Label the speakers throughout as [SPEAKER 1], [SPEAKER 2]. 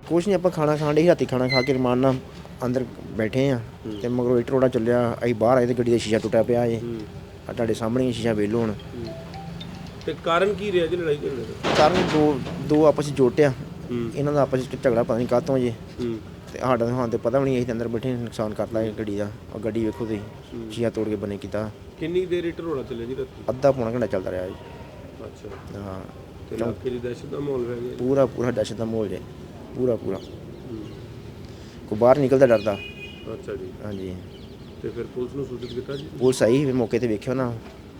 [SPEAKER 1] ਕੁਛ ਨਹੀਂ, ਆਪਾਂ ਖਾਣਾ ਖਾਣ ਦੇ ਰਾਤੀ ਖਾਣਾ ਖਾ ਕੇ ਰਮਾਨ ਨਾਲ ਅੰਦਰ ਬੈਠੇ ਆ ਤੇ ਮਗਰੋਂ ਇੱਟ ਰੋੜਾ ਚੱਲਿਆ। ਅਸੀਂ ਬਾਹਰ ਆਏ ਤੇ ਗੱਡੀ ਦਾ ਸ਼ੀਸ਼ਾ ਟੁੱਟਿਆ ਪਿਆ ਏ। ਆ ਤੁਹਾਡੇ ਸਾਹਮਣੇ ਸ਼ੀਸ਼ਾ ਵੇਖ ਲਓ ਹੁਣ।
[SPEAKER 2] ਤੇ ਕਾਰਨ ਕੀ ਰਿਹਾ ਜੀ ਲੜਾਈ ਝਗੜੇ ਦਾ?
[SPEAKER 1] ਕਾਰਨ ਦੋ ਆਪਸ ਵਿੱਚ ਜੋਟਿਆ। ਇਹਨਾਂ ਦਾ ਆਪਸ ਵਿੱਚ ਝਗੜਾ ਪਤਾ ਨਹੀਂ ਕਾਹਤੋਂ ਜੇ। ਤੇ ਸਾਡਾ ਹਾਂ ਤੇ ਪਤਾ ਵੀ ਨਹੀਂ, ਅਸੀਂ ਅੰਦਰ ਬੈਠੇ ਨੁਕਸਾਨ ਕਰਤਾ ਇਹ ਗੱਡੀ ਦਾ। ਔਰ ਗੱਡੀ ਵੇਖੋ ਤੁਸੀਂ, ਸ਼ੀਸ਼ਾ ਤੋੜ ਕੇ ਬਣੇ ਕੀਤਾ।
[SPEAKER 2] ਕਿੰਨੀ ਦੇਰ ਇੱਟ ਰੋੜਾ ਚੱਲਿਆ ਜੀ ਰਾਤੀ?
[SPEAKER 1] ਅੱਧਾ ਪੌਣਾ ਘੰਟਾ ਚੱਲਦਾ ਰਿਹਾ ਜੀ।
[SPEAKER 2] ਅੱਛਾ।
[SPEAKER 1] ਹਾਂ,
[SPEAKER 2] ਤੇ ਇਲਾਕੇ ਦੀ ਦਹਿਸ਼ਤ ਦਾ ਮਾਹੌਲ ਹੈ ਜੀ?
[SPEAKER 1] ਪੂਰਾ ਦਹਿਸ਼ਤ ਦਾ ਮਾਹੌਲ ਜੇ, ਪੂਰਾ ਕੋਈ ਬਾਹਰ ਨਿਕਲਦਾ ਡਰਦਾ।
[SPEAKER 2] ਅੱਛਾ ਜੀ।
[SPEAKER 1] ਹਾਂਜੀ।
[SPEAKER 2] ਤੇ ਫਿਰ ਪੁਲਿਸ ਨੂੰ ਸੂਚਿਤ ਕੀਤਾ ਜੀ?
[SPEAKER 1] ਪੁਲਿਸ ਆਈ ਫਿਰ ਮੌਕੇ ਤੇ ਵੇਖਿਓ ਨਾ।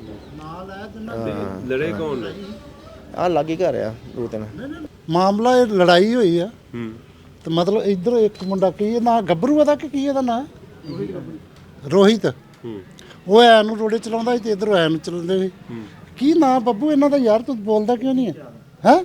[SPEAKER 2] ਲੜੇ ਕੌਣ ਨੇ?
[SPEAKER 1] ਆਹ ਲਾਗੇ ਘਰ ਆ 2-3
[SPEAKER 3] ਮਾਮਲਾ ਇਹ ਲੜਾਈ ਹੋਈ ਆ। ਤੇ ਮਤਲਬ ਇੱਧਰ ਇੱਕ ਮੁੰਡਾ ਕੀ ਨਾ ਗੱਭਰੂ ਦਾ ਕਿ ਕੀ ਇਹਦਾ ਨਾਂ ਰੋਹਿਤ। ਉਹ ਐ ਨੂੰ ਰੋੜੇ ਚਲਾਉਂਦਾ ਸੀ ਤੇ ਇੱਧਰ ਐ ਨੂੰ ਚਲਾਉਂਦੇ ਸੀ। ਕੀ ਨਾਂ ਬੱਬੂ ਇਹਨਾਂ ਦਾ ਯਾਰ? ਤੂੰ ਬੋਲਦਾ ਕਿਉਂ ਨਹੀਂ ਹੈ?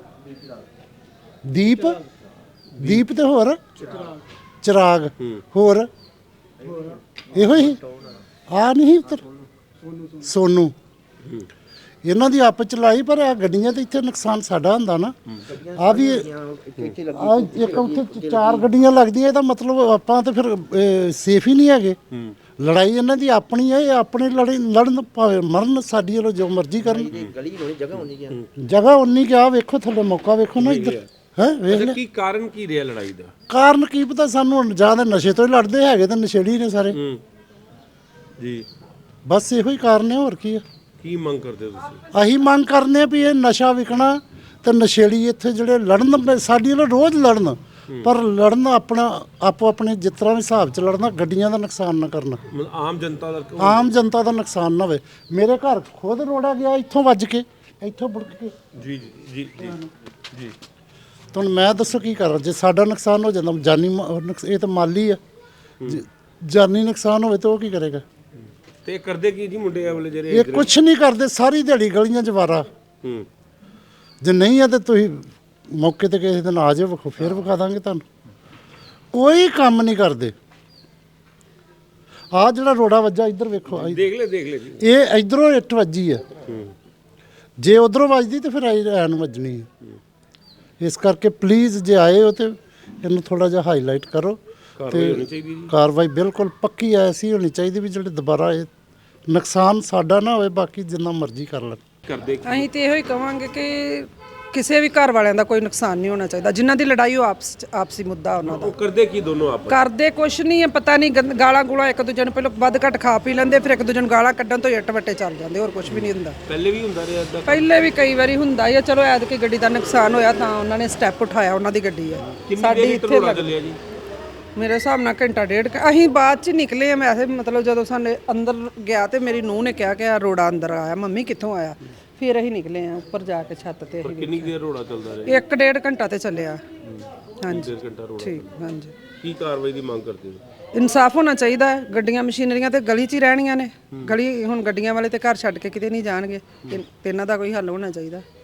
[SPEAKER 3] ਦੀਪ ਤੇ ਹੋਰ ਚਿਰਾਗ ਹੋਰ ਇਹੋ ਹੀ ਆ ਨਹੀਂ ਉੱਤਰ ਸੋਨੂ। ਇਹਨਾਂ ਦੀ ਆਪਸ ਚ ਲੜਾਈ। ਪਰ ਆ ਗੱਡੀਆਂ ਤੇ ਇੱਥੇ ਨੁਕਸਾਨ ਸਾਡਾ ਹੁੰਦਾ ਨਾ। ਆ ਵੀ ਆ ਇੱਕ ਉੱਥੇ 4 ਗੱਡੀਆਂ ਲੱਗਦੀਆਂ। ਇਹਦਾ ਮਤਲਬ ਆਪਾਂ ਤੇ ਫਿਰ ਸੇਫ ਹੀ ਨਹੀਂ ਹੈਗੇ। ਲੜਾਈ ਇਹਨਾਂ ਦੀ ਆਪਣੀ ਹੈ। ਇਹ ਆਪਣੇ ਲੜਨ ਭਾਵੇਂ ਮਰਨ, ਸਾਡੀ ਵੱਲੋਂ ਜੋ ਮਰਜ਼ੀ ਕਰਨ। ਜਗ੍ਹਾ ਉਨੀ ਕਿ ਆ ਵੇਖੋ ਥੱਲੇ ਮੌਕਾ ਵੇਖੋ ਨਾ ਇੱਧਰ ਹੈ। ਵੇਖ ਲੈ
[SPEAKER 2] ਕੀ ਕਾਰਨ ਕੀ ਰਿਹਾ ਲੜਾਈ ਦਾ?
[SPEAKER 3] ਕਾਰਨ ਕੀ ਪਤਾ ਸਾਨੂੰ। ਜਾਂ ਤਾਂ ਨਸ਼ੇ ਤੋਂ ਹੀ ਲੜਦੇ ਹੈਗੇ ਤਾਂ ਨਸ਼ੇੜੀ ਨੇ ਸਾਰੇ
[SPEAKER 2] ਜੀ।
[SPEAKER 3] ਬਸ ਇਹੋ ਹੀ ਕਾਰਨ ਹੈ, ਹੋਰ ਕੀ ਹੈ।
[SPEAKER 2] ਕੀ ਮੰਗ ਕਰਦੇ ਹੋ ਤੁਸੀਂ?
[SPEAKER 3] ਅਸੀਂ ਮੰਗ ਕਰਨੇ ਵੀ ਇਹ ਨਸ਼ਾ ਵਿਕਣਾ ਤੇ ਨਸ਼ੇੜੀ ਇੱਥੇ ਜਿਹੜੇ ਲੜਨ, ਸਾਡੀ ਨਾਲ ਰੋਜ਼ ਲੜਨ, ਪਰ ਲੜਨ ਆਪੋ ਆਪਣੇ ਜਿਸ ਤਰ੍ਹਾਂ ਵੀ ਹਿਸਾਬ 'ਚ ਲੜਨਾ। ਗੱਡੀਆਂ ਦਾ ਨੁਕਸਾਨ ਨਾ ਕਰਨਾ, ਆਮ ਜਨਤਾ ਦਾ ਨੁਕਸਾਨ ਨਾ ਹੋਵੇ। ਮੇਰੇ ਘਰ ਖੁਦ ਰੋੜਾ ਗਿਆ ਇੱਥੋਂ ਵੱਜ ਕੇ, ਇੱਥੋਂ ਬੁੜਕ ਕੇ।
[SPEAKER 2] ਜੀ ਜੀ ਜੀ ਜੀ।
[SPEAKER 3] ਤੁਹਾਨੂੰ ਮੈਂ ਦੱਸੋ ਕੀ ਕਰਾਂ? ਜੇ ਸਾਡਾ ਨੁਕਸਾਨ ਹੋ ਜਾਂਦਾ ਜਾਨੀ, ਇਹ ਤਾਂ ਮਾਲੀ ਆ। ਜਾਨੀ ਨੁਕਸਾਨ ਹੋਵੇ ਤਾਂ ਉਹ ਕੀ ਕਰੇਗਾ?
[SPEAKER 2] ਤੇ ਕਰਦੇ ਕੀ ਜੀ ਮੁੰਡੇ ਆ ਵਾਲੇ ਜਿਹੜੇ?
[SPEAKER 3] ਇਹ ਕੁਛ ਨਹੀਂ ਕਰਦੇ, ਸਾਰੀ ਦਿਹਾੜੀ ਗਲੀਆਂ 'ਚ ਵਾਰਾ। ਜੇ ਨਹੀਂ ਆ ਤੇ ਤੁਸੀਂ ਮੌਕੇ ਤੇ ਕਿਸੇ ਦਿਨ ਆ ਜਾਓ, ਫਿਰ ਵਿਖਾ ਦਾਂਗੇ ਤੁਹਾਨੂੰ। ਕੋਈ ਕੰਮ ਨਹੀਂ ਕਰਦੇ। ਆ ਜਿਹੜਾ ਰੋੜਾ ਵੱਜਾ ਇੱਧਰ ਵੇਖੋ,
[SPEAKER 2] ਦੇਖ ਲੈ ਜੀ।
[SPEAKER 3] ਇਹ ਇੱਧਰੋਂ ਇੱਟ ਵੱਜੀ ਆ। ਜੇ ਉਧਰੋਂ ਵੱਜਦੀ ਤੇ ਫਿਰ ਐ ਨੂੰ ਵੱਜਣੀ ਹੈ। ਇਸ ਕਰਕੇ ਪਲੀਜ਼ ਜੇ ਆਏ ਹੋ ਤੇ ਇਹਨੂੰ ਥੋੜਾ ਜਿਹਾ ਹਾਈਲਾਈਟ ਕਰੋ। ਤੇ ਕਾਰਵਾਈ ਬਿਲਕੁਲ ਪੱਕੀ ਐਸੀ ਹੋਣੀ ਚਾਹੀਦੀ ਵੀ ਜਿਹੜੇ ਦੁਬਾਰਾ ਇਹ ਨੁਕਸਾਨ ਸਾਡਾ ਨਾ ਹੋਵੇ। ਬਾਕੀ ਜਿੰਨਾ ਮਰਜ਼ੀ ਕਰ ਲੈਣ।
[SPEAKER 4] ਅਸੀਂ ਤੇ ਇਹੋ ਹੀ ਕਵਾਂਗੇ ਕਿ ਕਿਸੇ ਵੀ ਘਰ ਵਾਲਿਆਂ ਦਾ ਕੋਈ ਨੁਕਸਾਨ ਨਹੀਂ ਹੋਣਾ ਚਾਹੀਦਾ। ਜਿਨ੍ਹਾਂ ਦੀ ਲੜਾਈ ਉਹ ਆਪਸੀ ਮੁੱਦਾ ਉਹਨਾਂ ਦਾ।
[SPEAKER 2] ਉਹ ਕਰਦੇ ਕੀ ਦੋਨੋਂ ਆਪ?
[SPEAKER 4] ਕਰਦੇ ਕੁਛ ਨਹੀਂ ਹੈ, ਪਤਾ ਨਹੀਂ ਗਾਲਾਂ ਗੂਲਾਂ ਇੱਕ ਦੂਜੇ ਨੂੰ ਪਹਿਲਾਂ ਵੱਧ ਘੱਟ ਖਾ ਪੀ ਲੈਂਦੇ, ਫਿਰ ਇੱਕ ਦੂਜੇ ਨੂੰ ਗਾਲਾਂ ਕੱਢਣ ਤੋਂ ਇੱਟ ਵੱਟੇ ਚੱਲ ਜਾਂਦੇ। ਹੋਰ ਕੁਛ ਵੀ ਨਹੀਂ ਹੁੰਦਾ।
[SPEAKER 2] ਪਹਿਲੇ ਵੀ ਹੁੰਦਾ ਰਿਹਾ ਇਦਾਂ?
[SPEAKER 4] ਪਹਿਲੇ ਵੀ ਕਈ ਵਾਰੀ ਹੁੰਦਾ ਹੀ ਆ। ਚਲੋ ਐਤਕੀ ਗੱਡੀ ਦਾ ਨੁਕਸਾਨ ਹੋਇਆ ਤਾਂ ਉਹਨਾਂ ਨੇ ਸਟੈਪ ਉਠਾਇਆ, ਉਹਨਾਂ ਦੀ ਗੱਡੀ ਹੈ।
[SPEAKER 2] ਸਾਡੀ ਇੱਥੇ ਚੱਲਿਆ ਜੀ
[SPEAKER 4] ਮੇਰੇ ਹਿਸਾਬ ਨਾਲ ਘੰਟਾ ਡੇਢ। ਅਸੀਂ ਬਾਅਦ ਚ ਨਿਕਲੇ ਆ। ਵੈਸੇ ਮਤਲਬ ਜਦੋਂ ਸਾਡੇ ਅੰਦਰ ਗਿਆ ਤੇ ਮੇਰੀ ਨੂੰਹ ਨੇ ਕਿਹਾ ਕਿ ਆ ਰੋੜਾ ਅੰਦਰ ਆਇਆ। ਮੰਮੀ ਕਿੱਥੋਂ ਆਇਆ? ਫਿਰ ਅਸੀਂ ਨਿਕਲੇ ਆ ਉੱਪਰ ਜਾ ਕੇ ਛੱਤ ਤੇ।
[SPEAKER 2] ਕਿੰਨੀ ਦੇਰ ਰੋੜਾ ਚੱਲਦਾ ਰਿਹਾ?
[SPEAKER 4] 1-1.5 ਘੰਟਾ ਤੇ ਚੱਲਿਆ। ਹਾਂਜੀ
[SPEAKER 2] 1.5 ਘੰਟਾ ਰੋੜਾ।
[SPEAKER 4] ਠੀਕ। ਹਾਂਜੀ।
[SPEAKER 2] ਕੀ ਕਾਰਵਾਈ ਦੀ ਮੰਗ ਕਰਦੇ ਹੋ?
[SPEAKER 4] ਇਨਸਾਫ ਹੋਣਾ ਚਾਹੀਦਾ ਹੈ। ਗੱਡੀਆਂ ਮਸ਼ੀਨਰੀਆਂ ਤੇ ਗਲੀ 'ਚ ਹੀ ਰਹਿਣੀਆਂ ਨੇ। ਗਲੀ ਹੁਣ ਗੱਡੀਆਂ ਵਾਲੇ ਤੇ ਘਰ ਛੱਡ ਕੇ ਕਿਤੇ ਨਹੀਂ ਜਾਣਗੇ ਤੇ ਇਹਨਾਂ ਦਾ ਕੋਈ ਹੱਲ ਹੋਣਾ ਚਾਹੀਦਾ।